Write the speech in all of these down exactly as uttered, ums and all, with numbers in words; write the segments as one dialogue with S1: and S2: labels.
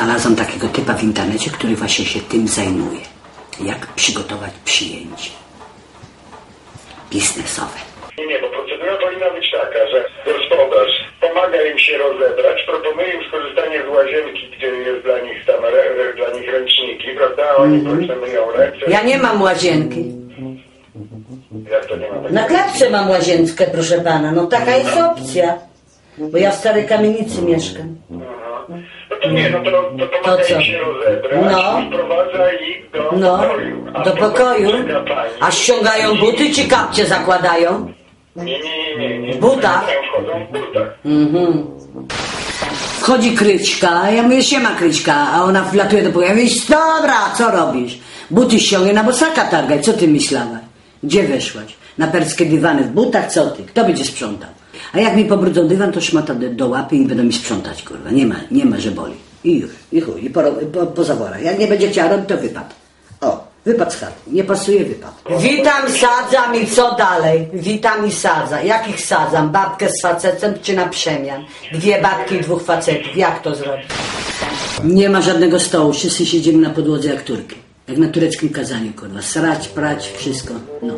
S1: Znalazłam takiego typa w internecie, który właśnie się tym zajmuje. Jak przygotować przyjęcie biznesowe.
S2: Nie, nie, bo procedura powinna być taka, że gospodarz pomaga im się rozebrać, proponuje im skorzystanie z łazienki, gdzie jest dla nich tam re, re, dla nich ręczniki, prawda? Oni mm-hmm. myją ręce.
S1: Ja nie mam łazienki.
S2: Jak to nie ma?
S1: Na klatce mam łazienkę, proszę pana. No taka jest opcja. Bo ja w starej kamienicy mieszkam.
S2: Aha. No to nie, no to, to pomaga
S1: to
S2: im się rozebrać
S1: no.
S2: i wprowadza ich do
S1: no.
S2: pokoju. A
S1: do pokoju? A ściągają buty czy kapcie zakładają?
S2: Nie, nie, nie, nie. nie.
S1: W butach?
S2: Wchodzą w butach.
S1: Mhm. Wchodzi Kryćka, a ja mówię, siema Kryćka, a ona wlatuje do pokoju. Ja mówię, dobra, co robisz? Buty ściągaj, na bosaka targaj, co ty myślałaś? Gdzie weszłaś? Na perskie dywany w butach, co ty? Kto będzie sprzątał? A jak mi pobrudzą dywan, to szmata do, do łapy i będą mi sprzątać, kurwa. Nie ma, nie ma, że boli. I już, i chuj, i po, po, po zaworach. Jak nie będzie chciała robić, to wypad. O, wypad z chaty. Nie pasuje, wypad. Witam, sadzam i co dalej? Witam i sadzam. Jakich sadzam? Babkę z facetem czy na przemian? Dwie babki i dwóch facetów. Jak to zrobić? Nie ma żadnego stołu. Wszyscy siedzimy na podłodze jak Turki. Jak na tureckim kazaniu, kurwa. Srać, prać, wszystko. No.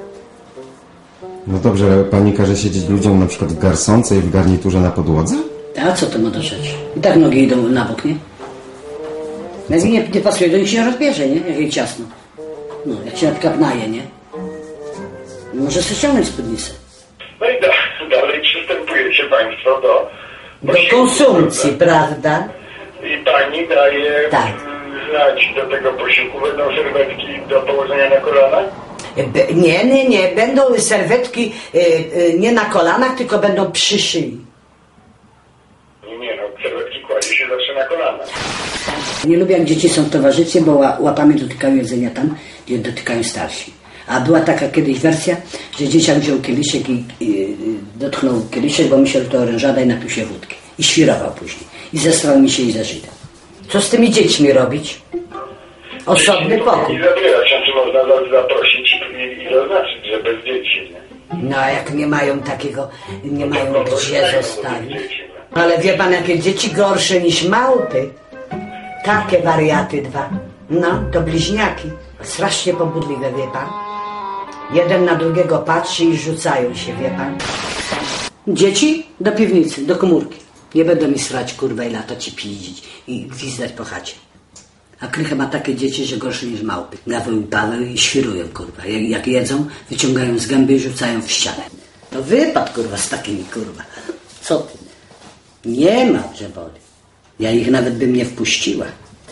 S3: No dobrze, pani każe siedzieć ludziom na przykład w garsonce i w garniturze na podłodze?
S1: A co to ma do rzeczy? I tak nogi idą na bok, nie? Jak mi nie, nie pasuje, to ich się rozbierze, nie? Jak jej ciasno. No, jak się na przykład naje, nie? Może sobie ściągnąć spódnicę.
S2: No i da, dalej przystępujecie państwo do...
S1: Do konsumpcji, prawda?
S2: I pani daje
S1: tak.
S2: znać do tego posiłku, będą serwetki do położenia na kolanach?
S1: Be, nie, nie, nie. Będą serwetki y, y, nie na kolanach, tylko będą przy szyi.
S2: Nie, nie, no serwetki kładzie się zawsze na kolanach.
S1: Nie lubię, jak dzieci są w towarzystwie, bo łapami dotykają jedzenia tam, gdzie dotykają starsi. A była taka kiedyś wersja, że dzieciak wziął kieliszek i, i, i dotknął kieliszek, bo myślał, że to orężada i napił się wódki. I świrował później. I zesrał mi się i za Żyda. Co z tymi dziećmi robić? Osobny pokój.
S2: I zabierać, znaczy można zaprosić i, i zaznaczyć, że bez dzieci. Nie?
S1: No a jak nie mają takiego, nie mają gdzie zostawić. Ale wie pan, jakie dzieci gorsze niż małpy? Takie wariaty dwa. No, to bliźniaki. Strasznie pobudliwe, wie pan. Jeden na drugiego patrzy i rzucają się, wie pan. Dzieci do piwnicy, do komórki. Nie będą mi srać, kurwa, i latać i piździć i gwizdać po chacie. A Krycha ma takie dzieci, że gorsze niż małpy. Gaweł i Paweł i świrują, kurwa. Jak, jak jedzą, wyciągają z gęby i rzucają w ścianę. No wypad, kurwa, z takimi, kurwa. Co ty? Nie ma, że boli. Ja ich nawet bym nie wpuściła.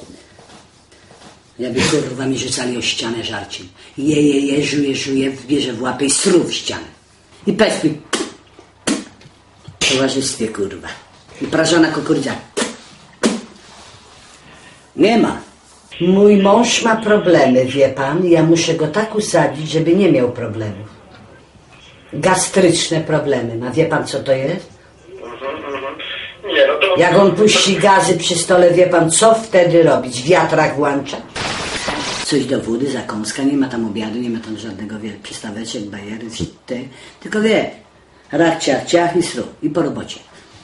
S1: Ja by, kurwa, mi rzucali o ścianę żarciem. Je, je, je, żuje, żuje, bierze w łapę i sru w ścianę. I pes mi w towarzystwie, kurwa. I prażona kukurydza. Nie ma. Mój mąż ma problemy, wie pan. Ja muszę go tak usadzić, żeby nie miał problemów. Gastryczne problemy ma. Wie pan, co to jest?
S2: Nie, no to...
S1: Jak on puści gazy przy stole, wie pan, co wtedy robić? Wiatrak włącza? Coś do wody, zakąska, nie ma tam obiadu, nie ma tam żadnego, wie, przystaweczek, bajery, te, tylko wie, rach, ciach, ciach i sru. I po robocie.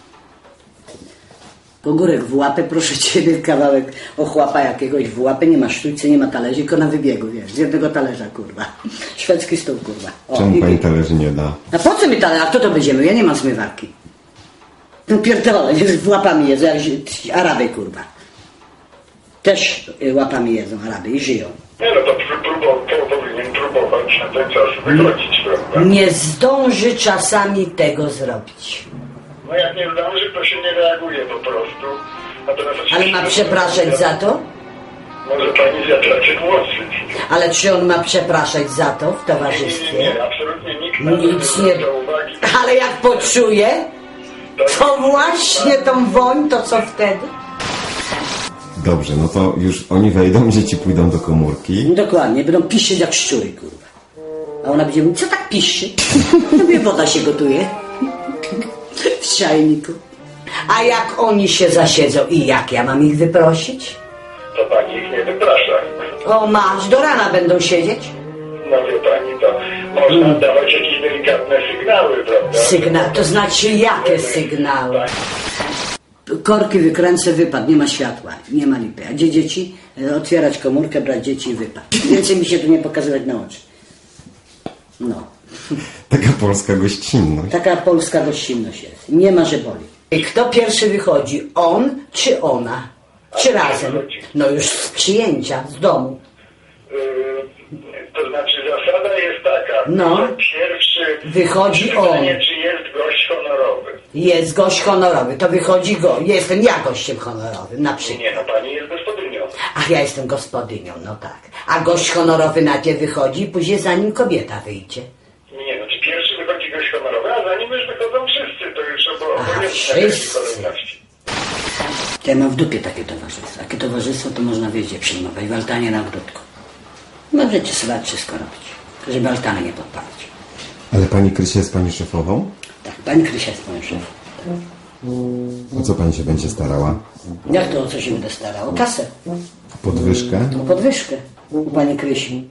S1: Pogórek w łapę, proszę ciebie, kawałek ochłapa jakiegoś w łapę, nie ma sztućce, nie ma talerzy, tylko na wybiegu, wiesz, z jednego talerza, kurwa. Szwedzki stół, kurwa. O,
S3: czemu
S1: i,
S3: pani talerzy nie da?
S1: A po co mi talerz? A kto to będziemy? Ja nie mam zmywarki. No pierdolę, z łapami jedzą, jak Araby, kurwa. Też łapami jedzą Araby i żyją.
S2: Nie, no to próbował, powinien próbować na ten czas wychodzić, prawda?
S1: Nie zdąży czasami tego zrobić.
S2: No jak nie zdąży, to się nie reaguje po prostu.
S1: Ale ma przepraszać za to?
S2: Może pani wiatraczek włosy.
S1: Ale czy on ma przepraszać za to w towarzystwie?
S2: Nie, nie, nie, absolutnie nikt
S1: Nic nie.
S2: do uwagi.
S1: Ale jak poczuje, to właśnie tą woń, to co wtedy?
S3: Dobrze, no to już oni wejdą, dzieci pójdą do komórki.
S1: Dokładnie, będą piszczeć jak szczury, kurwa. A ona będzie mówić, co tak piszczy? Tobie woda się gotuje. W czajniku. A jak oni się zasiedzą i jak ja mam ich wyprosić?
S2: To pani ich nie wyprasza.
S1: O masz, do rana będą siedzieć?
S2: No wie pani, to można mm. dawać jakieś delikatne sygnały, prawda?
S1: Sygnał, to znaczy jakie sygnały? Korki wykręcę, wypad, nie ma światła, nie ma lipy. A gdzie dzieci? Otwierać komórkę, brać dzieci i wypad. Więcej mi się tu nie pokazywać na oczy. No.
S3: Taka polska gościnność.
S1: Taka polska gościnność jest. Nie ma, że boli. I kto pierwszy wychodzi? On czy ona? Czy razem? No już z przyjęcia, z domu.
S2: Yy, to znaczy zasada jest taka,
S1: No.
S2: że pierwszy
S1: Wychodzi
S2: pytanie,
S1: on.
S2: czy jest gość honorowy.
S1: Jest gość honorowy, to wychodzi go. Jestem ja gościem honorowym, na przykład.
S2: Nie, no pani jest gospodynią.
S1: Ach, ja jestem gospodynią, no tak. A gość honorowy najpierw wychodzi, później za nim kobieta wyjdzie.
S2: Nie, no czy pierwszy wychodzi gość honorowy, a za nim już wychodzą wszyscy, to już obo-
S1: A,
S2: obojętne jakiej
S1: wszyscy.
S2: kolejności.
S1: Ja mam w dupie takie towarzystwo. Takie towarzystwo to można wiedzieć przyjmować w altanie na ogródku. Możecie sobie wszystko robić, żeby altany nie podpalić.
S3: Ale pani Krysia jest pani szefową?
S1: Tak, pani Krysia jest moją szefą.
S3: O co pani się będzie starała?
S1: Jak to o co się będę starał? O kasę,
S3: Podwyżkę?
S1: o podwyżkę u pani Krysi.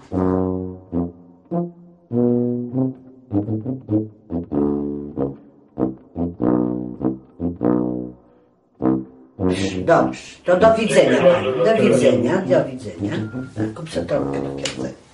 S1: Dobrze, to do widzenia pani. Do widzenia, do widzenia. Kup sobie torbkę do kieszeni.